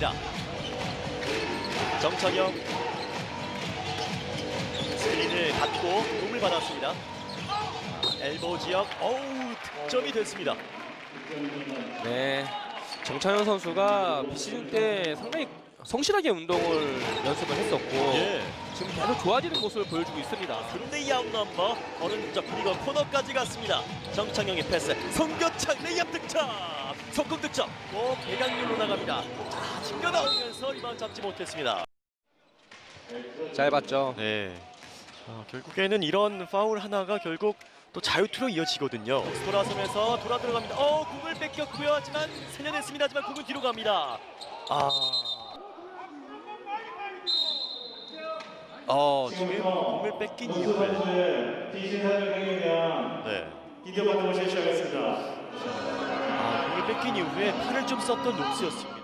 있습니다. 정찬영 스크린을 갖고 공을 받았습니다. 엘보 지역, 득점이 됐습니다. 네, 정찬현 선수가 비시즌 때 상당히 성실하게 운동을 연습을 했었고 예. 지금 계속 좋아지는 모습을 보여주고 있습니다. 그런데 이 아웃넘버 오른쪽 그리고 코너까지 갔습니다. 정창영의 패스, 송교창 레이업 득점, 속공 득점, 또 배강률로 나갑니다. 자, 튕겨 나오면서 리바운드 잡지 못했습니다. 잘 봤죠. 네. 자, 결국에는 이런 파울 하나가 결국 또 자유투로 이어지거든요. 돌아서면서 돌아 들어갑니다. 공을 뺏겼고요. 하지만 살려냈습니다. 하지만 공은 뒤로 갑니다. 지금 공을 뺏긴 이후에 네. 비디오 판독을 실시하겠습니다. 공을 뺏긴 이후에 팔을 좀 썼던 녹스였습니다.